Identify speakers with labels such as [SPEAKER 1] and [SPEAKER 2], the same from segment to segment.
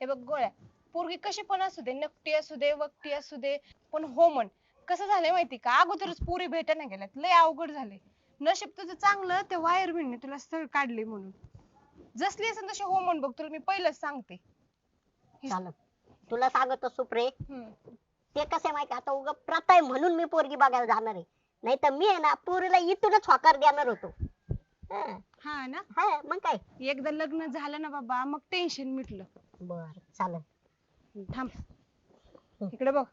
[SPEAKER 1] हे बघ गोळ्या, पोरगी कशी पण असू दे, नकटी असू दे, वकटी असू दे, पण हो म्हण. कसं झालंय माहिती का, अगोदरच पोरी भेटायला गेल्यात, लय अवघड झालंय. नशीब तुझं चांगलं त्या वायरमॅनने तुला स्थळ काढले म्हणून. जसली असेल तशी हो म्हण बघ, तुला मी पहिलंच सांगते.
[SPEAKER 2] चालत तुला सांगतो सुप्रे,
[SPEAKER 1] हम्म.
[SPEAKER 2] ते कसं आहे माहिती आता उगा प्रथा आहे म्हणून मी पोरगी बघायला जाणार आहे. नाही तर मी आहे ना पोरीला इथूनच होकार देणार होतो. हं,
[SPEAKER 1] हा ना.
[SPEAKER 2] हा मग काय.
[SPEAKER 1] एकदा लग्न झालं ना बाबा, मग टेन्शन मिटलं.
[SPEAKER 2] बर चालत.
[SPEAKER 1] थांब, इकडे बघ.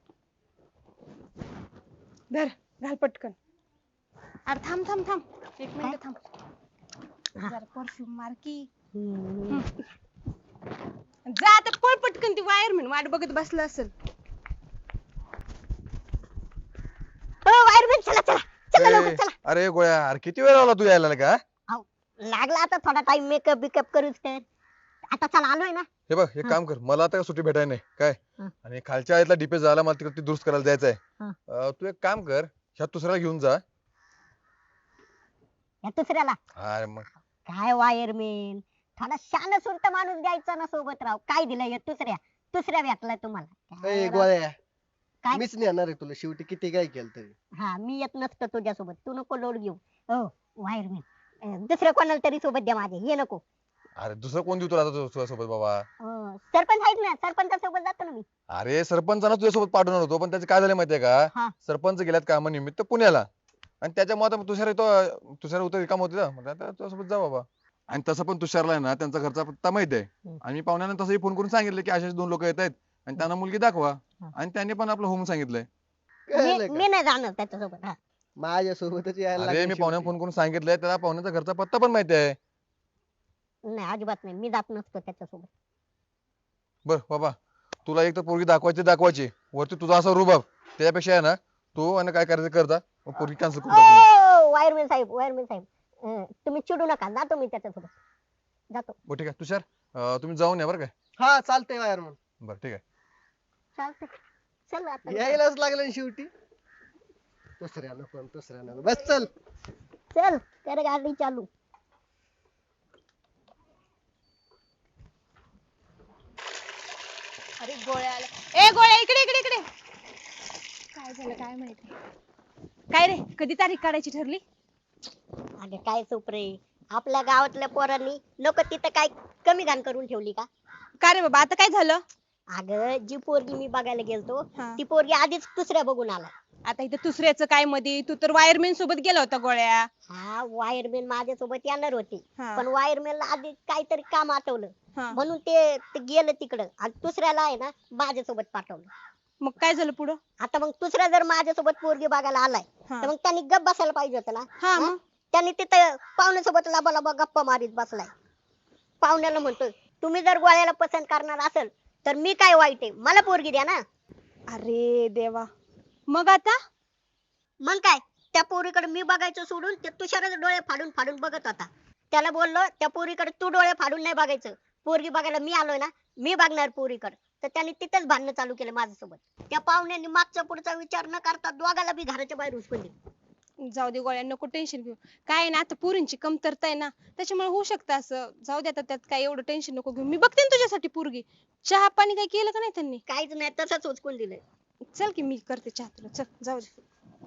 [SPEAKER 1] धर, घाल पटकन. अरे थांब थांब थांब, एक मिनिट थांब.
[SPEAKER 2] हा.
[SPEAKER 1] जरा परफ्यूम मार की.
[SPEAKER 2] हम्म.
[SPEAKER 1] जा आता, पळ पटकन, ती वायरमॅन वाट बघत बसला असेल.
[SPEAKER 2] हो वायरमॅन, चला चला चला लवकर चला.
[SPEAKER 3] अरे गोळ्या, अरे किती वेळ लावला तू यायला का?
[SPEAKER 2] अहो, लागला आता थोडा टाइम मेकअप बिकअप करूच तर. आता चला आलोय ना.
[SPEAKER 3] हे बघ, एक काम कर, मला आता सुट्टी भेटाय नाही काय.
[SPEAKER 2] हा.
[SPEAKER 3] आणि खालच्या आयतला डीपे झाला, मला तिकडे दुरुस्त करायला जायचंय.
[SPEAKER 2] हा.
[SPEAKER 3] तू एक काम कर, ह्या दुसऱ्याला घेऊन जा.
[SPEAKER 2] या दुसऱ्याला
[SPEAKER 3] अरे मग
[SPEAKER 2] काय वायरमॅन, थोडा शान सुरत माणूस द्यायचा ना सोबत राव. काय दिलं या दुसऱ्या भेटलाय तुम्हाला. काय
[SPEAKER 4] ए
[SPEAKER 2] राव?
[SPEAKER 4] गोळ्या,
[SPEAKER 2] काय?
[SPEAKER 4] मीच नेणार आहे तुला शेवटी किती काय केलं तरी.
[SPEAKER 2] हा मी येत नसतो तुझ्यासोबत, तू नको लोड घेऊ. हो वायरमॅन, दुसऱ्या कोणाला तरी सोबत द्या माझे, हे नको.
[SPEAKER 3] अरे दुसरं कोण देऊ तुला आता तुझ्यासोबत बाबा?
[SPEAKER 2] सरपंच आहेत ना, सरपंचासोबत जातो ना मी.
[SPEAKER 3] अरे सरपंचाला तुझ्यासोबत पाठवणार होतो, पण त्याचं काय झालं माहितीये
[SPEAKER 2] हा.
[SPEAKER 3] का, सरपंच गेल्यात कामानिमित्त पुण्याला. आणि त्याच्यामुळे आता तुषार उतर काम होते ना, म्हटलं आता तुझ्यासोबत जा बाबा. आणि तसं पण तुषारला आहे ना त्यांचा घरचा पत्ता माहिती आहे. आणि मी पाहुण्यांना तसंही फोन करून सांगितलं की अशाच 2 लोक येत आहेत आणि त्यांना मुलगी दाखवा. आणि त्यांनी पण आपलं होम सांगितलंय.
[SPEAKER 4] कळलं का?
[SPEAKER 2] मी नाही जाणार त्याच्यासोबत. हा.
[SPEAKER 4] माझ्या सोबतच यायला
[SPEAKER 3] अरे
[SPEAKER 4] लागलं
[SPEAKER 3] मी पाहुण्या
[SPEAKER 4] शेवटी.
[SPEAKER 3] फोन करून सांगितलंय, त्याला पाहुण्याचा घरचा पत्ता पण माहिती आहे.
[SPEAKER 2] नाही अजिबात नाही, मी जात नसतो त्याच्यासोबत.
[SPEAKER 3] बर बाबा, तुला एक तर पोरगी दाखवायची वरती तुझा असा रुबाब, त्याच्यापेक्षा आहे ना तू आणि काय करायचं करता, पोरगी कॅन्सल करून टाक.
[SPEAKER 2] वायरमॅन साहेब, वायरमॅन साहेब, तुम्ही चिडू नका, जातो मी त्याच्यासोबत, जातो.
[SPEAKER 3] हो ठीक आहे तुषार, तुम्ही जाऊन या बरं काय.
[SPEAKER 4] हा चालतंय वायरमन,
[SPEAKER 3] बरं ठीक आहे.
[SPEAKER 2] चालतंय, चल आता.
[SPEAKER 4] यायलाच लागलं ना शेवटी. दुसऱ्या नको बस चल.
[SPEAKER 2] चल कर गाडी चालू.
[SPEAKER 1] अरे गोळ्या आला. ए गोळ्या, इकडे इकडे इकडे. काय झालं काय माहिती. काय रे, कधी तारीख काढायची ठरली?
[SPEAKER 2] अगं काय सुप्रे, आपल्या गावातल्या पोरांनी नको तिथं काय कमी घाण करून ठेवली का?
[SPEAKER 1] का रे बाबा, आता काय झालं?
[SPEAKER 2] अगं जी पोरगी मी बघायला गेलतो
[SPEAKER 1] हा.
[SPEAKER 2] ती पोरगी आधीच दुसऱ्या बघून आला.
[SPEAKER 1] आता इथं दुसऱ्याचं काय मध्ये, तू तर वायरमॅन सोबत गेला होता गोळ्या.
[SPEAKER 2] हा वायरमॅन माझ्या सोबत येणार होते,
[SPEAKER 1] हा.
[SPEAKER 2] पण वायरमॅनला आधी काहीतरी काम आठवलं
[SPEAKER 1] हा.
[SPEAKER 2] म्हणून ते गेलं तिकडं आणि दुसऱ्याला आहे ना माझ्यासोबत पाठवलं.
[SPEAKER 1] मग काय झालं पुढं?
[SPEAKER 2] आता मग दुसरा जर माझ्यासोबत पोरगी बघायला आलाय
[SPEAKER 1] हा.
[SPEAKER 2] तर मग त्यांनी गप बसायला पाहिजे होतं ना.
[SPEAKER 1] हा,
[SPEAKER 2] हा?
[SPEAKER 1] मग?
[SPEAKER 2] त्यांनी तिथं पाहुण्यासोबत लबा गप्पा मारीत बसलाय. पाहुण्याला म्हणतोय तुम्ही जर गोळ्याला पसंत करणार असेल तर मी काय वाईट आहे, मला पोरगी द्या ना.
[SPEAKER 1] अरे देवा, मग आता?
[SPEAKER 2] मग काय, त्या पोरीकडे मी बघायचं सोडून ते तुषारच डोळे फाडून फाडून बघत होता. त्याला बोललो त्या पोरीकडे तू डोळे फाडून नाही बघायचं, पोरगी बघायला मी आलोय ना, मी बघणार पोरीकडे. तर त्यांनी तिथेच भांडणं चालू केलं माझ्यासोबत. त्या पाहुण्यांनी मागचा पुढचा विचार न करता दोघाला बी घराच्या बाहेर उचकून दिलं.
[SPEAKER 1] जाऊ दे गोळ्या, नको टेन्शन घेऊ. काय आहे ना, आता पोरींची कमतरता आहे ना, त्याच्यामुळे होऊ शकतं असं. जाऊ दे आता, त्यात काय एवढं टेन्शन नको घेऊ. मी बघते ना तुझ्यासाठी पोरगी. चहा पाणी काय केलं का नाही त्यांनी?
[SPEAKER 2] काहीच नाही, तसंच उचकून दिलंय.
[SPEAKER 1] चल की मी करते चहा तुला, चल जाऊ दे.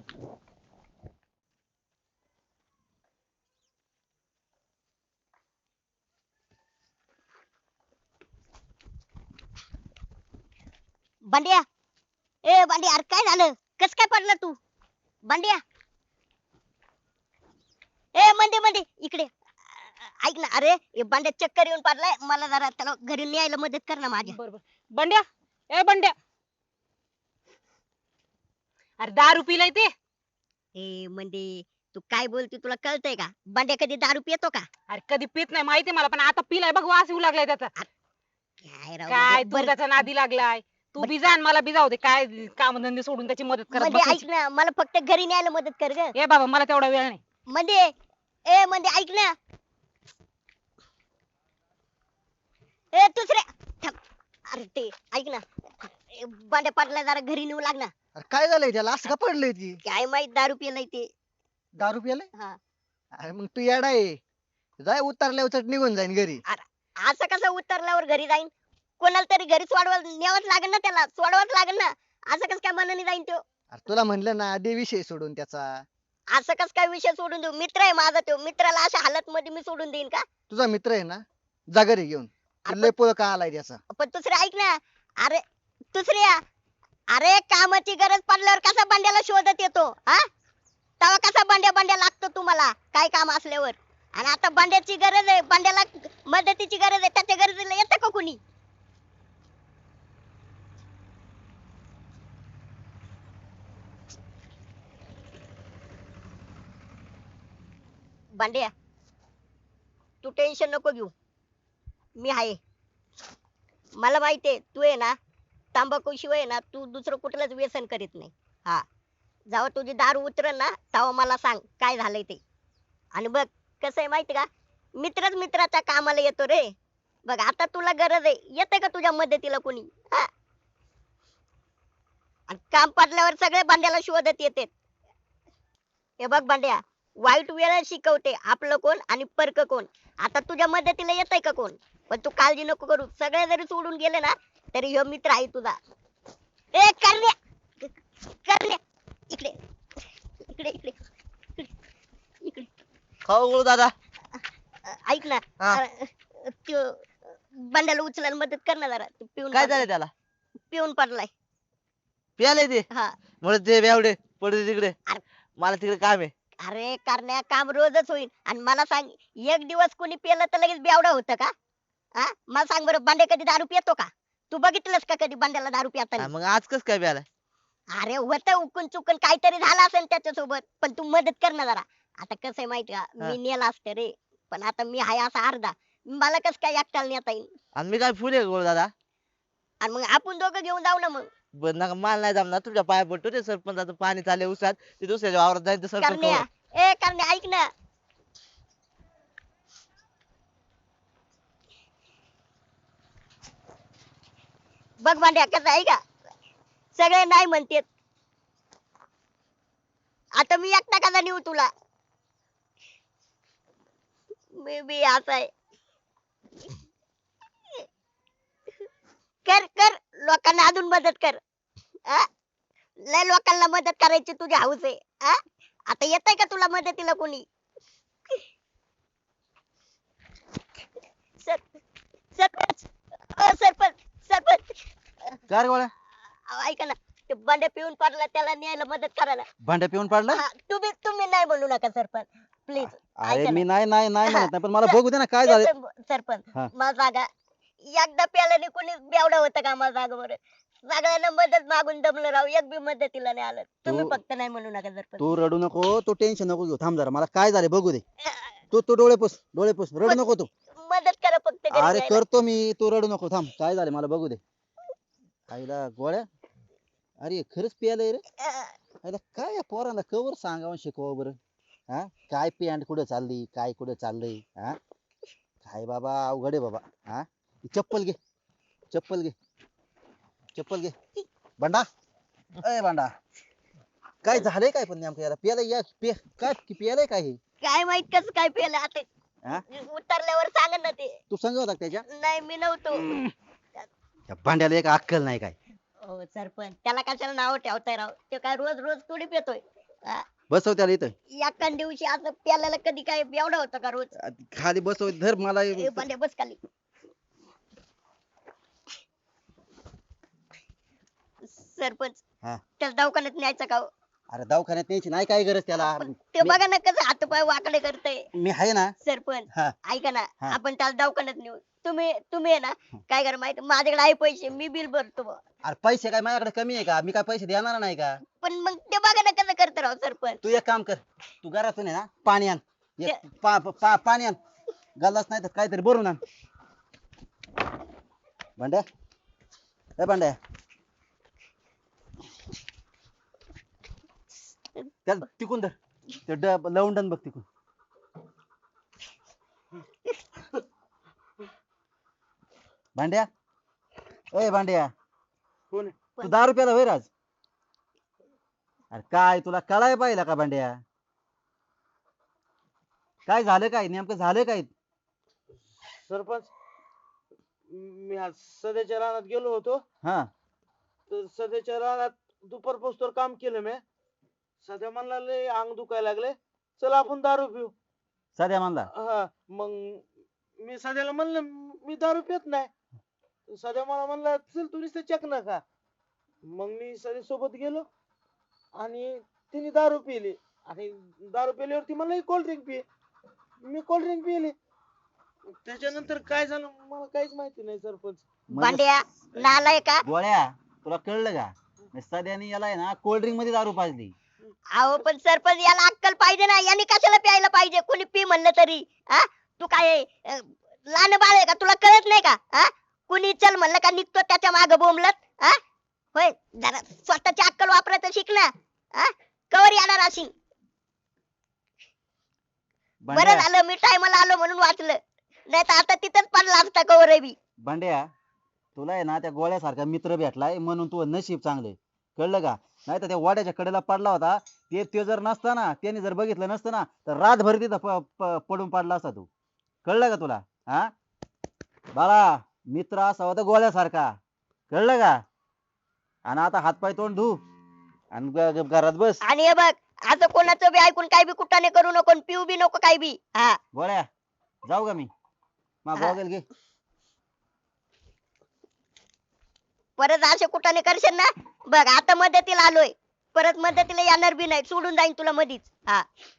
[SPEAKER 2] बंड्या, ए बंड्या, अरे काय झालं, कस काय पडलं तू? बंड्या, ए मंदे इकडे. ऐक ना, अरे हे बंड्या चक्कर येऊन पडलाय, मला जरा त्याला घरी न्यायला मदत कर ना माझ्या.
[SPEAKER 1] बरोबर. बंड्या, ए बंड्या. अरे दारू पिलाय ते.
[SPEAKER 2] ए मंदे, तू काय बोलते तुला कळतंय का? बंड्या कधी दारू पितो का?
[SPEAKER 1] अरे कधी पित नाही माहिती मला, पण आता पिलाय बघ, वास येऊ लागलाय त्याचा.
[SPEAKER 2] काय राव
[SPEAKER 1] काय
[SPEAKER 2] म्हणजे,
[SPEAKER 1] तू
[SPEAKER 2] बरं,
[SPEAKER 1] त्याच्या नादी लागलाय. तू बी जा आणि मला बी जाऊ दे. काय काम धंदे सोडून त्याची मदत करत
[SPEAKER 2] म्हणजे ऐक
[SPEAKER 1] बसायची.
[SPEAKER 2] ना, मला फक्त घरी न्यायला मदत कर ग.
[SPEAKER 1] ए बाबा, मला तेवढा वेळ नाही.
[SPEAKER 2] म्हणजे ए म्हणजे ऐक ना, ए दुसऱ्या थांब. अरे ते ऐक ना, ए, बंड्या पडला, जरा घरी नेऊ लाग ना.
[SPEAKER 4] अरे काय झालंय त्याला, असं का पडलंय ती?
[SPEAKER 2] काय माहित दारू पिलाय ते.
[SPEAKER 4] दारू प्यायलाय?
[SPEAKER 2] हा.
[SPEAKER 4] अरे मग तू येडा आहे, जाय उतरल्या उचट निघून जाईन घरी.
[SPEAKER 2] असं कसं उतरल्यावर घरी जाईन? कोणाला तरी घरी सोडवायला न्यावंच लागेल ना, त्याला सोडवाच लागेल ना. असं कस काय मनाने जाईन तो?
[SPEAKER 4] अरे तुला म्हणलं ना दे विषय सोडून त्याचा.
[SPEAKER 2] असं कस काय विषय सोडून देऊ? मित्र आहे माझा तो, मित्राला अशा हालत मध्ये मी सोडून देईन का?
[SPEAKER 4] तुझा मित्र आहे ना, जा घरी घेऊन.
[SPEAKER 2] अरे
[SPEAKER 4] लय पळ का आलाय त्याचा.
[SPEAKER 2] पण दुसरे ऐक ना. अरे दुसऱ्या, अरे कामाची गरज पडल्यावर कसा बंड्याला शोधत येतो हा? तेव्हा कसा बंड्या बंड्या लागतो तुम्हाला काय काम असल्यावर? आणि आता बंड्याची गरज आहे, बंड्याला मदतीची गरज आहे, त्याच्या गरजेला येतं का कुणी? बंड्या, तू टेन्शन नको घेऊ, मी आहे. मला माहितीये तू आहे ना, तंबाखू शिवाय ना तू दुसरं कुठलंच व्यसन करीत नाही. हा, जेव्हा तुझी दारू उतरल ना तेव्हा मला सांग काय झालंय ते. आणि बघ कसं आहे माहिती का, मित्रच मित्राच्या कामाला येतो रे. बघ आता तुला गरज आहे, येते का तुझ्या मदतीला कोणी? हा? आणि काम पडल्यावर सगळे बंड्याला शोधत येते. हे बघ बंड्या, वाईट वेळ शिकवते आपलं कोण आणि परक कोण. आता तुझ्या मदतीला येतंय का कोण? पण तू काळजी नको करू, सगळे जरी सोडून गेले ना तरी ह्यो मित्र आहे तुझा. ए करण्या, करण्या, इकडे इकडे इकडे इकडे इकडे.
[SPEAKER 5] खाऊ गुळू दादा.
[SPEAKER 2] ऐक ना,
[SPEAKER 5] हा.
[SPEAKER 2] त्यो बंड्याला उचलायला मदत कर ना जरा. तो पिऊन
[SPEAKER 5] काय
[SPEAKER 2] पडलाय.
[SPEAKER 5] झालं त्याला?
[SPEAKER 2] पिऊन पडलाय.
[SPEAKER 5] प्याले ते
[SPEAKER 2] हा.
[SPEAKER 5] म्हणत ते बेवडे पडू तिकडे.
[SPEAKER 2] अरे.
[SPEAKER 5] मला तिकडे काम आहे.
[SPEAKER 2] अरे करण्या, काम रोजच होईल. आणि मला सांग, एक दिवस कोणी पिलं तर लगेच बेवडा होतं का? हा, मला सांग बरं, बंड्या कधी दारू पितो का? तू बघितलंस का कधी बंड्याला दारू पिताना?
[SPEAKER 5] मग आज कस काय प्याला?
[SPEAKER 2] अरे होतं उकून चुकून काहीतरी झालं असेल त्याच्यासोबत, पण तू मदत कर ना जरा. आता कसं आहे माहिती का,
[SPEAKER 5] हा.
[SPEAKER 2] मी नेला असतं रे, पण आता मी हाय असा अर्धा, मला कस काय एकट्याला नेता येईल?
[SPEAKER 5] आणि मी काय फुले गुळू दादा?
[SPEAKER 2] आणि मग आपण दोघं घेऊन जाऊ ना मग.
[SPEAKER 5] बरं नका, मला नाही जमणार. तुझ्या पाया पडतो रे. सरपंचाचं पाणी चालले उसात, ते दुसऱ्याच्या वावरात जाईल तर सरपंच
[SPEAKER 2] करण्या,
[SPEAKER 5] खबर.
[SPEAKER 2] ए करण्या ऐक ना. बघ भांड्या कसं आहे का, सगळे नाही म्हणतेत. आता मी एकटा कसा नेऊ तुला? मी बी असा आहे. कर कर, लोकांना अजून मदत कर. आ? लय लोकांना मदत करायची तुझी हौस आहे. आ? आता येतंय का तुला मदतीला कोणी? सर सरपंच, सरपंच सरपंच,
[SPEAKER 6] काय रे गोळ्या?
[SPEAKER 2] ऐका ना, ते बंड्या पिऊन पडला, त्याला न्यायला मदत करायला.
[SPEAKER 6] भांड्या पिऊन पडला?
[SPEAKER 2] हा, तुम्ही नाही म्हणू नका सरपंच, प्लीज.
[SPEAKER 6] अरे मी नाही नाही नाही म्हणत नाही, पण मला बघू दे ना काय झालं.
[SPEAKER 2] सरपंच,
[SPEAKER 6] हा.
[SPEAKER 2] मला जागा, एकदा प्याल्याने कोणी बेवडा होतं का? मला जागा बरं. सगळ्यांना मदत मागून दमलं राव, एक बी मदतीला नाही आलं. तुम्ही फक्त नाही म्हणू नका सरपंच.
[SPEAKER 6] तू रडू नको, तू टेन्शन नको घेऊ. थांब जरा, मला काय झालं बघू दे. तू तू डोळे पुस, डोळे पुस, रडू नको तू.
[SPEAKER 2] मदत करा फक्त घरी
[SPEAKER 6] अरे
[SPEAKER 2] जायला.
[SPEAKER 6] करतो मी, तू रडू नको. थांब, काय झालं मला बघू दे. आईला गोळ्या, अरे खरंच प्यायलंय रे. आईला काय या पोरांना कवर सांगावं शिकवावं बरं. हा, काय पॅन्ट कुठे चालली, काय कुठे चाललंय. हा, काय बाबा अवघड आहे बाबा. हा, ही चप्पल घे, चप्पल घे, चप्पल घे. भांडा, अय भांडा, काय झालंय काय पण नेमकं याला? प्यायला या काय प्यायलंय काय हे?
[SPEAKER 2] काय माहित कसं काय पेलं आता.
[SPEAKER 6] हा?
[SPEAKER 2] उतरल्यावर सांग ना ते.
[SPEAKER 6] तू सांग होता का त्याच्या?
[SPEAKER 2] नाही मी नव्हतो.
[SPEAKER 6] त्या भांड्याला एक अक्कल नाही काय.
[SPEAKER 2] हो सरपंच, त्याला कशाला नाव ठेवताय राव? ते काय रोज रोज थोडी पितोय.
[SPEAKER 6] बसव त्याला इथं.
[SPEAKER 2] एका दिवशी असं प्याल्याला कधी काय एवढा होतं का रोज?
[SPEAKER 6] खाली बसव, धर मला.
[SPEAKER 2] ए बंड्या बस खाली. सरपंच,
[SPEAKER 6] हा.
[SPEAKER 2] त्याला दवाखान्यात न्यायचं का हो?
[SPEAKER 6] अरे दवाखान्यात न्यायची नाही काय गरज त्याला.
[SPEAKER 2] पण ते बघा ना कसं हातपाय वाकडे करतय.
[SPEAKER 6] मी आहे ना.
[SPEAKER 2] सरपंच
[SPEAKER 6] हा.
[SPEAKER 2] ऐका ना,
[SPEAKER 6] हा.
[SPEAKER 2] आपण त्याला दवाखान्यात नेऊ. तुम्ही आहे ना, काय करा माहिती, माझ्याकडे आहे पैसे, मी बिल भरतो बुवा.
[SPEAKER 6] अरे पैसे काय माझ्याकडे कमी आहे का? मी काय पैसे देणार नाही का?
[SPEAKER 2] पण मग ते बघा ना कसं करत राव सरपंच.
[SPEAKER 6] तू एक काम कर, तू घरातून आहे ना पाणी आण. पाणी आण, गल्लाच नाही तर काहीतरी भरून आण. भांड्या, ए भांड्या, त्याला तिकून धर. ते लवंडन बघ तिकून. भांड्या, ए भांड्या,
[SPEAKER 5] कोण?
[SPEAKER 6] तू 10 रुपयाला होय राज? अरे काय तुला कळाय पाहिलं का भांड्या? काय झालं काय नेमकं झालं काय?
[SPEAKER 5] सरपंच, मी आज सध्याच्या रानात गेलो होतो.
[SPEAKER 6] हा
[SPEAKER 5] तर सध्याच्या रानात दुपारपासून काम केलं मी. सध्या म्हणला लय अंग दुखायला लागले, चला आपण दारू पिऊ.
[SPEAKER 6] सध्या म्हणला
[SPEAKER 5] हा मग मी सध्याला म्हणलं मी दारू पित नाही. सध्या मला म्हणला चल तू नुसतं चकना खा. मग मी सध्या सोबत गेलो आणि तिने दारू पिली आणि दारू पिल्यावरती मला कोल्ड्रिंक पी. मी कोल्ड्रिंक पिली. त्याच्यानंतर काय झालं मला काहीच माहिती नाही सरपंच.
[SPEAKER 2] भांड्या नालाय का
[SPEAKER 6] गोळ्या तुला कळलं का सध्याने याला आहे ना कोल्ड्रिंक मध्ये दारू पाजली.
[SPEAKER 2] अहो पण सरपंच याला अक्कल पाहिजे ना, यांनी कशाला प्यायला पाहिजे, कोणी पी म्हणलं तरी. हा तू काय लहान बाळ आहे का, तुला कळत नाही का? हा कुणी चल म्हणलं का निघतो त्याच्या माग बोंबलत. हा होय जरा स्वतःची अक्कल वापरायचं शिक ना. हा कवर येणार अशी. बरं
[SPEAKER 6] भांड्या
[SPEAKER 2] झालं मी टायमाला आलो म्हणून वाचलं, नाही तर आता तिथंच पडला असता कवर बी.
[SPEAKER 6] भांड्या तुला आहे ना त्या गोळ्यासारखा मित्र भेटलाय म्हणून तू नशीब चांगले, कळलं का? नाही तर त्या वाड्याच्या कडेला पडला होता, ते जर नसता ना, त्याने जर बघितलं नसतं ना तर रातभर तिथं पडून पडला असता तू. कळलं का तुला? हा बाळा मित्र असा होता गोळ्यासारखा, कळलं का? आणि आता हातपाय तोंड धु आणि घरात बस.
[SPEAKER 2] आणि हे बघ असं कोणाचं बी ऐकून काय बी कुठाने करू नको आणि पिऊ बी नको काय बी. हा
[SPEAKER 6] गोळ्या जाऊ का मी? मग
[SPEAKER 2] हा.
[SPEAKER 6] गॉगल घे.
[SPEAKER 2] परत असे कुठाने करशील ना बघ, आता मदतीला आलोय, परत मदतीला येणार बी नाही, सोडून जाईन तुला मधीच. हा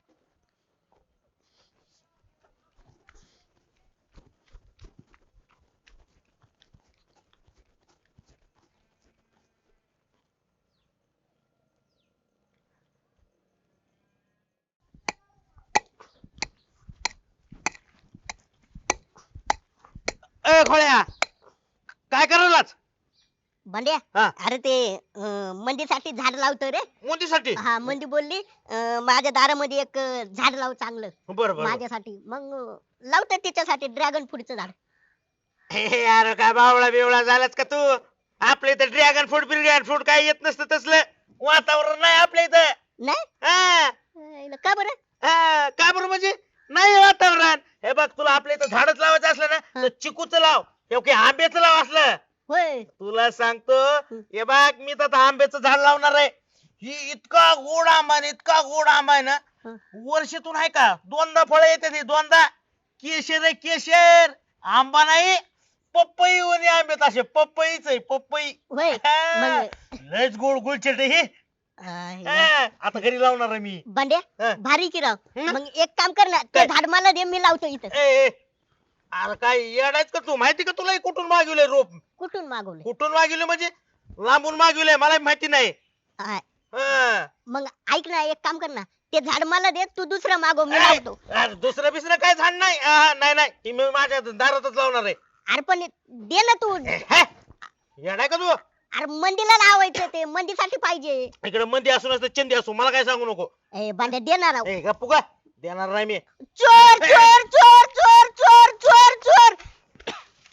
[SPEAKER 5] ए खोळ्या काय करायलाच
[SPEAKER 2] भांड्या
[SPEAKER 5] हा.
[SPEAKER 2] अरे ते मंदीसाठी झाड लावतो रे.
[SPEAKER 5] मोदीसाठी?
[SPEAKER 2] हा मंदी बोलली माझ्या दारामध्ये एक झाड लाव चांगलं
[SPEAKER 5] बरं बरं.
[SPEAKER 2] माझ्यासाठी. मग लावतो तिच्यासाठी ड्रॅगन फ्रूटचं झाड.
[SPEAKER 5] हे यार काय बावळा बिवळा झालाच का तू? आपल्या इथं ड्रॅगन फ्रूट काय येत नसतं तसलं वातावरण नाही आपल्या इथं.
[SPEAKER 2] नाही
[SPEAKER 5] हा,
[SPEAKER 2] का बरं?
[SPEAKER 5] हा, का बरं म्हणजे नाही वातावरण. हे बघ तुला आपल्या इथं झाडच लावायचं असलं ना
[SPEAKER 2] हा.
[SPEAKER 5] तर चिकूचं लाव किंवा आंब्याचं लाव असलं.
[SPEAKER 2] होय
[SPEAKER 5] तुला सांगतो हे बघ मी तर आता आंब्याचं झाड लावणार आहे. ही इतका गोड आंबा आहे, इतका गोड आंबा आहे ना,
[SPEAKER 2] हं.
[SPEAKER 5] वर्षातून आहे का दोनदा फळं येते ती दोनदा. केशर आहे केशर, आंबा नाही पपई वनी आंब्यात असे पपईच आहे पपई.
[SPEAKER 2] होय
[SPEAKER 5] हा.
[SPEAKER 2] मग
[SPEAKER 5] लयच गोड गुळचट आहे हे. हा, आता घरी लावणार आहे मी.
[SPEAKER 2] भांड्या
[SPEAKER 5] हा.
[SPEAKER 2] भारी की राव.
[SPEAKER 5] हं?
[SPEAKER 2] मग एक काम कर ना, ते
[SPEAKER 5] काय?
[SPEAKER 2] झाड मला दे, मी लावतो इथं.
[SPEAKER 5] ए, ए, अरे काय येडायच का तू? माहिती का तुला हे कुठून मागवलंय रोप?
[SPEAKER 2] कुठून मागवले?
[SPEAKER 5] कुठून मागवले म्हणजे लांबून मागवलंय मला माहिती नाही.
[SPEAKER 2] हा.
[SPEAKER 5] हा.
[SPEAKER 2] मग ऐक ना, एक काम कर ना, ते झाड मला दे, तू दुसरं मागव, मी
[SPEAKER 5] ए,
[SPEAKER 2] लावतो.
[SPEAKER 5] अरे दुसरं बिसरं काय झाड नाही. नाही नाही ही मी माझ्या दारातच लावणार आहे.
[SPEAKER 2] अरे पण दे ना तू.
[SPEAKER 5] हे, येडाय का तू?
[SPEAKER 2] अरे मंदीला लावायचं, ते मंदीसाठी पाहिजे.
[SPEAKER 5] इकडे मंदी असू नसतं चंदी असू मला काय सांगू नको.
[SPEAKER 2] ए भांड्या देणार राव.
[SPEAKER 5] ए गप्पू का देणार नाही मी.
[SPEAKER 2] चोर चोर चोर चोर चोर चोर चोर.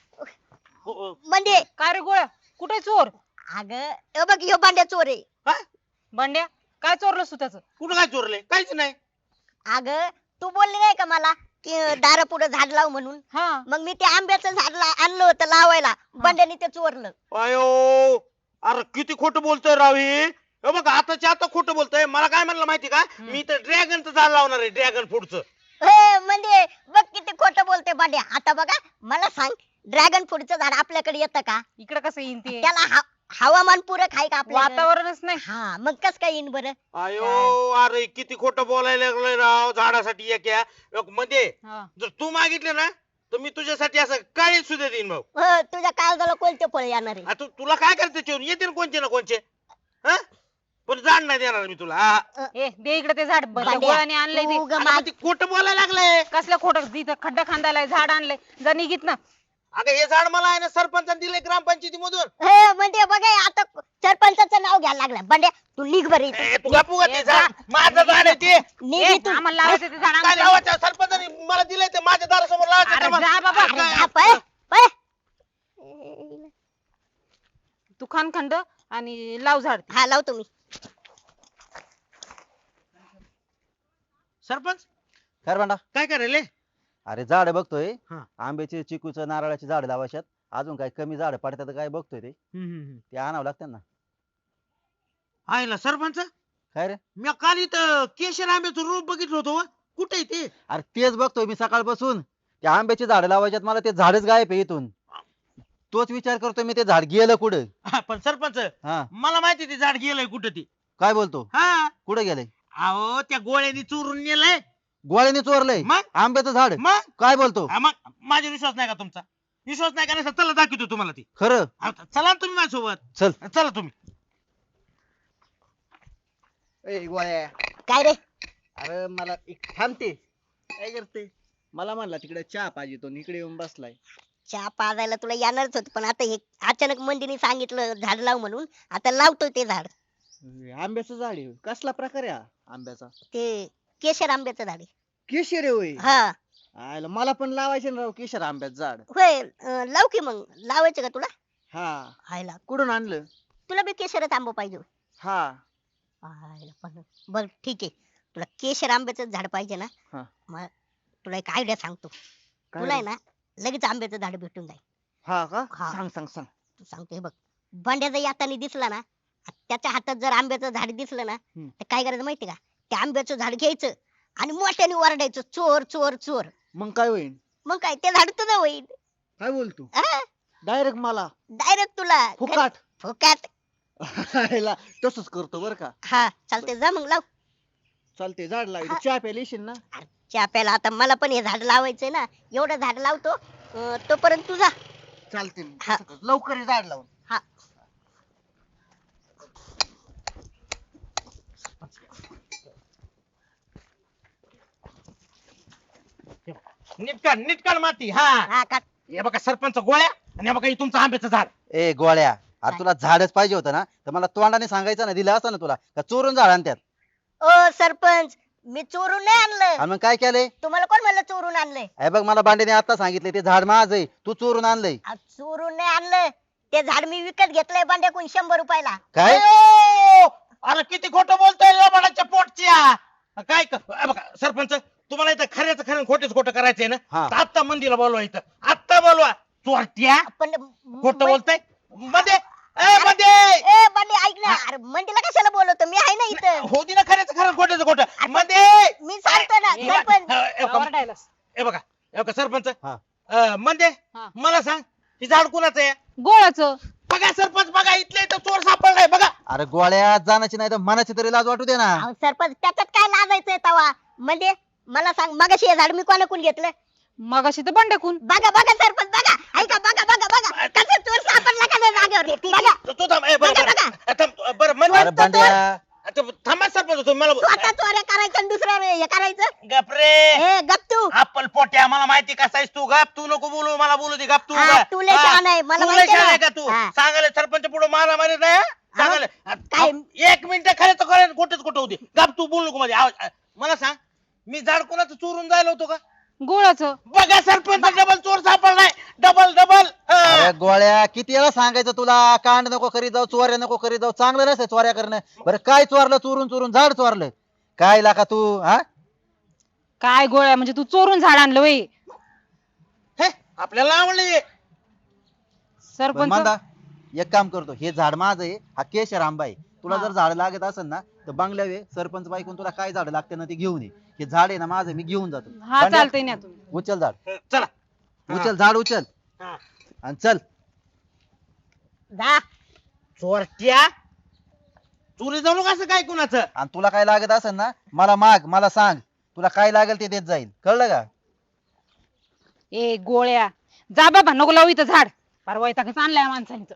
[SPEAKER 2] म्हणजे
[SPEAKER 1] काय रे गोळ्या, कुठे चोर?
[SPEAKER 2] अगं हे बघ ह्यो भांड्या चोर आहे.
[SPEAKER 5] हा?
[SPEAKER 1] बंड्या काय चोरलं तू त्याचं?
[SPEAKER 5] कुठं काय चोरले? काहीच नाही.
[SPEAKER 2] अगं तू बोलली नाही का मला की दारा पुढे झाड लाव म्हणून?
[SPEAKER 1] हा
[SPEAKER 2] मग मी ते आंब्याचं झाड आणलं होतं लावायला, बंड्याने ते चोरलं.
[SPEAKER 5] अयो अरे किती खोटं बोलतोय राव हे. हे बघ आताच्या आता खोटं बोलतोय. मला काय म्हणलं माहिती का, मी तर ड्रॅगनचं झाड लावणार आहे ड्रॅगन फ्रूटचं.
[SPEAKER 2] म्हणजे बघ किती खोटं बोलते भांड्या. आता बघा मला सांग, ड्रॅगन फ्रूटचं झाड आपल्याकडे येतं का?
[SPEAKER 1] इकडे कसं येईन ते?
[SPEAKER 2] त्याला हवामान पूरक आहे का आपल्याकडे?
[SPEAKER 1] वातावरणच नाही.
[SPEAKER 2] हा मग कस काय येईन बरं?
[SPEAKER 5] अयो अरे किती खोटं बोलायला लागलोय राव झाडासाठी एक मध्ये.
[SPEAKER 1] हा.
[SPEAKER 5] जर तू मागितले ना तर मी तुझ्यासाठी असं काळी सुद्धा देईन भाऊ.
[SPEAKER 2] तुझ्या काळजाला कोणते फळ येणार आहे?
[SPEAKER 5] तुला काय करायचं त्याच्यावर येते ना कोणचे ना कोणचे. हा? पण झाड नाही देणार मी तुला. हा.
[SPEAKER 1] ए दे इकडे ते झाड
[SPEAKER 2] भांड्या,
[SPEAKER 1] गोळ्याने आणलंय ते.
[SPEAKER 2] तू ग
[SPEAKER 5] अगं,
[SPEAKER 2] मा-
[SPEAKER 5] मग ते खोटं बोलायला लागलंय.
[SPEAKER 1] कसलं खोटं? तिथं खड्डा खांदायला झाड आणलंय, जा निघित ना.
[SPEAKER 5] अगं हे झाड मला आहे ना सरपंचाने दिलंय ग्रामपंचायती मधून.
[SPEAKER 2] म्हणजे बघा आता सरपंचाचं नाव घ्यायला लागलं. बंड्या तू निघ बरं इथं.
[SPEAKER 5] तू गप्पू का ते
[SPEAKER 1] ए,
[SPEAKER 5] झाड माझं झाड आहे ते.
[SPEAKER 2] निघ
[SPEAKER 1] ए,
[SPEAKER 2] इथून.
[SPEAKER 1] आम्हाला लावायचं ते झाड
[SPEAKER 5] काय
[SPEAKER 1] आमचं.
[SPEAKER 5] लावायचं सरपंचाने मला दिलंय ते माझ्या दारासमोर लावायचं
[SPEAKER 1] अरे
[SPEAKER 5] ते मला.
[SPEAKER 1] जा बाबा.
[SPEAKER 5] अरे काय-
[SPEAKER 2] जा, पळ, पळ.
[SPEAKER 1] तू खान खंड आणि लाव झाड ते.
[SPEAKER 2] हा लावतो मी.
[SPEAKER 5] सरपंच
[SPEAKER 6] काय भांडा?
[SPEAKER 5] काय करायले?
[SPEAKER 6] अरे झाड बघतोय,
[SPEAKER 5] हा.
[SPEAKER 6] आंब्याचे चिकूचं नारळाचे झाड लावायच्यात अजून काय कमी झाड पडतात काय बघतोय ते ते आणावं लागतं ना.
[SPEAKER 5] आयला सरपंच
[SPEAKER 6] काय रे?
[SPEAKER 5] मी काल इथं केशर आंब्याचं रोप बघितलं होतं हो. कुठे आहे ते?
[SPEAKER 6] अरे तेच बघतोय मी सकाळपासून. ते आंब्याची झाडं लावायच्यात मला ते झाडच गायब आहे इथून. तोच विचार करतोय मी ते झाड गेलं कुठं.
[SPEAKER 5] हा, पण सरपंच
[SPEAKER 6] हा
[SPEAKER 5] मला माहिती ते झाड गेलंय कुठं ते.
[SPEAKER 6] काय बोलतो?
[SPEAKER 5] हा
[SPEAKER 6] कुठे गेलंय?
[SPEAKER 5] अहो त्या गोळ्यांनी चोरून नेलंय.
[SPEAKER 6] गोळ्याने चोरलंय
[SPEAKER 5] मग
[SPEAKER 6] आंब्याचं झाड?
[SPEAKER 5] मग
[SPEAKER 6] काय बोलतो?
[SPEAKER 5] हा, मग माझा विश्वास नाही का तुमचा? विश्वास नाही का? नाही चला दाखवतो तुम्हाला ती.
[SPEAKER 6] खरं?
[SPEAKER 5] चला ना तुम्ही माझ्यासोबत.
[SPEAKER 6] चल.
[SPEAKER 5] चला तुम्ही.
[SPEAKER 4] ए गोळ्या,
[SPEAKER 2] काय रे?
[SPEAKER 4] अरे मला एक थांबते. काय करते? मला म्हणला तिकडे चहा पाहिजे, तो इकडे येऊन बसलाय.
[SPEAKER 2] चहा पाजायला तुला येणारच होत, पण आता हे अचानक मंदीने सांगितलं झाड लाव म्हणून, आता लावतोय ते झाड.
[SPEAKER 4] आंब्याचं झाड आहे. कसला प्रकार आहे हा आंब्याचा?
[SPEAKER 2] ते केशर आंब्याचं झाड आहे.
[SPEAKER 4] केशर आहे होय.
[SPEAKER 2] हा
[SPEAKER 4] आयला मला पण लावायचे ना राव केशर आंब्याचं झाड.
[SPEAKER 2] होय, लाव की मग. लावायचं का तुला?
[SPEAKER 4] हा.
[SPEAKER 2] हायला,
[SPEAKER 4] कुठून आणलं?
[SPEAKER 2] तुला बी केशरच आंबा पाहिजे होय?
[SPEAKER 4] हा.
[SPEAKER 2] हायला, पण बर ठीक आहे, तुला केशर आंब्याचं झाड पाहिजे ना?
[SPEAKER 4] हा.
[SPEAKER 2] मग तुला एक आयडिया सांगतो.
[SPEAKER 4] काय
[SPEAKER 2] तुला आहे ना लगेच आंब्याचं झाड भेटून जाईल.
[SPEAKER 4] हा का?
[SPEAKER 2] हा.
[SPEAKER 4] सांग सांग सांग.
[SPEAKER 2] तू सांगतो हे बघ, बंड्या जर येताना दिसला ना, त्याच्या हातात जर आंब्याचं झाड दिसलं ना, तर काय करायचं माहिती का? त्या आंब्याचं झाड घ्यायचं आणि मोठ्याने ओरडायचं, चोर चोर चोर.
[SPEAKER 4] मग काय होईल?
[SPEAKER 2] मग काय, ते झाड तुझं होईल.
[SPEAKER 4] काय बोलतो? डायरेक्ट मला
[SPEAKER 2] डायरेक्ट तुला
[SPEAKER 4] फुकाट.
[SPEAKER 2] फुकाट.
[SPEAKER 4] आयला तसंच करतो बर का?
[SPEAKER 2] हा चालते, जा मग लाव.
[SPEAKER 4] चालते, झाड लावायचं.
[SPEAKER 2] हा.
[SPEAKER 4] चहा प्यायला येशील ना?
[SPEAKER 2] चहा प्यायला आता मला पण हे झाड लावायचंय ना, एवढं झाड लावतो. तोपर्यंत तुझा.
[SPEAKER 4] चालते.
[SPEAKER 2] हा.
[SPEAKER 4] लवकर ये झाड लावून.
[SPEAKER 2] हा.
[SPEAKER 5] नीट काढ माती. हा
[SPEAKER 2] हा काट.
[SPEAKER 5] हे बघा सरपंच गोळ्या, आणि हे बघा हे तुमचं आंब्याचं झाड.
[SPEAKER 6] ए गोळ्या, अरे तुला झाडच पाहिजे होतं ना, तर मला तोंडाने सांगायचं ना, दिलं असतं ना तुला. का चोरून झाड आणत्यात?
[SPEAKER 2] ओ सरपंच, मी चोरून नाही आणलं.
[SPEAKER 6] आणि मग काय केलंय?
[SPEAKER 2] तुम्हाला कोण म्हणलं चोरून आणलंय?
[SPEAKER 6] हे बघ, मला बांडेने आता सांगितले ते झाड माझं आहे, तू चोरून आणलंय.
[SPEAKER 2] चोरून नाही आणलं, ते झाड मी विकत घेतलंय बंड्याकडून 100 रुपयाला.
[SPEAKER 6] काय?
[SPEAKER 5] अयो! अरे किती खोटं बोलतोय लबाडाच्या पोटच्या. काय बघा सरपंच, तुम्हाला इथं खऱ्याचं खरं खोटेच खोटं करायचंय ना,
[SPEAKER 6] हा.
[SPEAKER 5] तर आत्ता मंदीला बोलवा इथं. आत्ता बोलवा. चोरट्या
[SPEAKER 2] पण
[SPEAKER 5] खोटं बोलताय. मध्ये मध्ये
[SPEAKER 2] ए बंडी ऐक ना, अरे मंडीला कशाला बोलवतो, मी आहे ना इथं.
[SPEAKER 5] होती ना खऱ्याचं खरं खोट्याचं खोटं. मध्ये
[SPEAKER 2] मी सांगतो ना सरपंच.
[SPEAKER 5] हे बघा सरपंच,
[SPEAKER 6] हा.
[SPEAKER 5] म्हणजे
[SPEAKER 1] हा.
[SPEAKER 5] मला सांग, ही झाड कुणाचं आहे?
[SPEAKER 1] गोळाचं.
[SPEAKER 5] बघा सरपंच, बघा इथले इथं चोर सापडलाय बघा.
[SPEAKER 6] अरे गोळ्या, जाण्याची नाही तर मनाची तरी लाज वाटू दे ना.
[SPEAKER 2] अहो, सरपंच त्याच्यात काय लाजायचंय तवा? म्हणजे मला सांग, मगाशी हे झाड मी कोणाकडून घेतलं?
[SPEAKER 1] मगाशी तर बंड्याकून.
[SPEAKER 2] बघा बघा सरपंच, बघा ऐका, बघा बघा बघा कसं चोर सापडला का नाही जागेवर. बघा
[SPEAKER 5] तू थांब. बरं
[SPEAKER 2] बघा,
[SPEAKER 5] बरं
[SPEAKER 2] बघा.
[SPEAKER 5] थांब, बरं म्हणजे
[SPEAKER 6] अरे बांड्या,
[SPEAKER 5] थांबा सरपंच, तुम्ही मला
[SPEAKER 2] स्वतः चोऱ्या करायचं आणि दुसऱ्या हे करायचं.
[SPEAKER 5] गपरे.
[SPEAKER 2] ए गप तू.
[SPEAKER 5] अप्पल पोट्या, मला माहिती कसा आहेस तू. गप, तू नको बोलू, मला बोलू दे. गप तू.
[SPEAKER 2] हा,
[SPEAKER 5] गप.
[SPEAKER 2] तू लय
[SPEAKER 5] हा.
[SPEAKER 2] शहाणा आहे, मला
[SPEAKER 5] तू लय
[SPEAKER 2] माहिती
[SPEAKER 5] शहाणा
[SPEAKER 2] आहे
[SPEAKER 5] आहे
[SPEAKER 2] ना.
[SPEAKER 5] का तू?
[SPEAKER 2] हा.
[SPEAKER 5] सांगायला सरपंच पुढे मारा मारी नाही हा? सांगायला
[SPEAKER 2] काय?
[SPEAKER 5] एक मिनिट खरं तर खरं खोटच खोटं होते. गप, तू बोलू नको माझे आवाज. मला सांग, मी झाड कोणाचं चोरून जायला होतो का?
[SPEAKER 1] गोळाचं.
[SPEAKER 5] बघा सरपंच, डबल चोर सापडलाय. Double double.
[SPEAKER 6] अरे गोळ्या, किती वेळा सांगायचं तुला, कांड नको करीत जाऊ, चोऱ्या नको करीत जाऊ, चांगलं नसतं चोऱ्या करणं. बरं काय चोरलं? चोरून चोरून झाड चोरलं. काय लाका तू? हा,
[SPEAKER 1] काय गोळ्या, म्हणजे तू चोरून झाड आणलं वय?
[SPEAKER 5] हे आपल्याला आवडले.
[SPEAKER 1] सरपंच.
[SPEAKER 6] मंदा, एक काम करतो, हे झाड माझं आहे, हा केशर आंबा आहे. तुला जर झाड लागत असेल ना, तर बंगल्या वे सरपंच बाईकून तुला काय झाड लागते ना ते घेऊन ये. हे झाड आहे ना माझं, मी घेऊन जातो.
[SPEAKER 1] हा
[SPEAKER 6] बंड्या,
[SPEAKER 1] चालतंय ना तुम्ही.
[SPEAKER 6] उचल झाड,
[SPEAKER 5] चला.
[SPEAKER 6] उचल झाड, उचल
[SPEAKER 5] हा.
[SPEAKER 6] आणि चल.
[SPEAKER 2] जा.
[SPEAKER 5] चोरट्या, चोरी जाऊ कसं काय कुणाचं?
[SPEAKER 6] आणि तुला काय लागत असेल ना, मला माग, मला सांग, तुला काय लागेल ते देत जाईल, कळलं का?
[SPEAKER 1] ए गोळ्या, जा बाबा, नको लावू इथं झाड. परवा इथं आणलंय माणसांचं.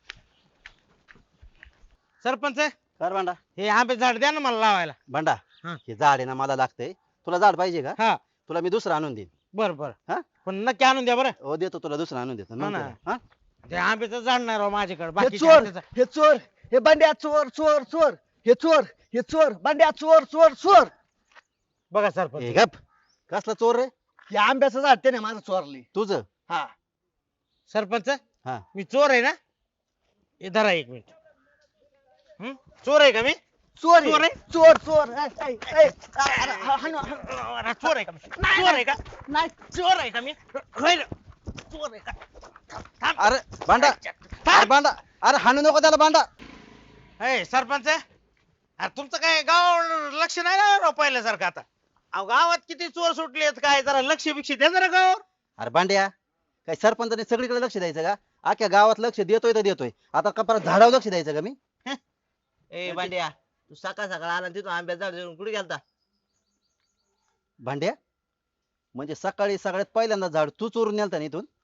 [SPEAKER 5] सरपंच,
[SPEAKER 6] कर भांडा.
[SPEAKER 5] हे आंबे झाड द्या ना मला लावायला.
[SPEAKER 6] भांडा,
[SPEAKER 5] हा.
[SPEAKER 6] हे झाड आहे ना मला लागतंय. तुला झाड पाहिजे का?
[SPEAKER 5] हा.
[SPEAKER 6] तुला मी दुसरं आणून देईन.
[SPEAKER 5] बर बर.
[SPEAKER 6] हा?
[SPEAKER 5] पण नक्की आणून द्या बरं.
[SPEAKER 6] हो देतो, तुला दुसरं आणून देतो
[SPEAKER 5] हो ना.
[SPEAKER 6] नंतर. हा?
[SPEAKER 5] ते आंब्याचं झाड नाही राव माझ्याकडे.
[SPEAKER 4] हे
[SPEAKER 5] बाकी
[SPEAKER 4] चोर, हे चोर, हे बंड्या चोर चोर चोर. हे चोर, हे चोर, बंड्या चोर चोर चोर.
[SPEAKER 5] बघा सरपंच,
[SPEAKER 6] ए गप, कसला चोर रे?
[SPEAKER 4] हे आंब्याचं झाड त्याने माझं चोरली.
[SPEAKER 6] तुझं?
[SPEAKER 4] हा.
[SPEAKER 5] सरपंच
[SPEAKER 6] हा.
[SPEAKER 5] मी चोर आहे ना? हे धरा एक मिनिट. चोर आहे का मी?
[SPEAKER 4] चोर
[SPEAKER 5] चोर
[SPEAKER 4] आहे.
[SPEAKER 5] आहे?
[SPEAKER 4] चोर चोर. ऐ, ऐ, ऐ. हाणू, हाणू.
[SPEAKER 5] अरे, चोर आहे का मी? चोर आहे का?
[SPEAKER 4] नाही.
[SPEAKER 5] चोर आहे का मी? होय ना. चोर आहे का
[SPEAKER 6] अरे भांडा अरे भांडा अरे हाणू नको त्याला भांडा.
[SPEAKER 5] ए सरपंच अरे तुमचं काय गाव लक्ष नाही ना राव पहिल्यासारखं आता अहो गावात किती चोर सुटलेत काय जरा लक्ष बिक्ष द्या जरा गावावर
[SPEAKER 6] अरे भांड्या काय सरपंचाने सगळीकडे लक्ष द्यायचं का? अख्ख्या गावात लक्ष देतोय तर देतोय, आता का परत झाडावर लक्ष द्यायचं का मी?
[SPEAKER 7] ए भांड्या तू सकाळ सकाळ आला आणि तिथून आंब्यात झाड देऊन कुठे गेलता
[SPEAKER 6] भांड्या म्हणजे सकाळी सगळ्यात पहिल्यांदा झाड तू चोरून नेलता ना इथून?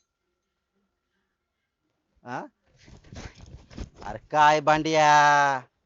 [SPEAKER 6] हा? अरे काय भांड्या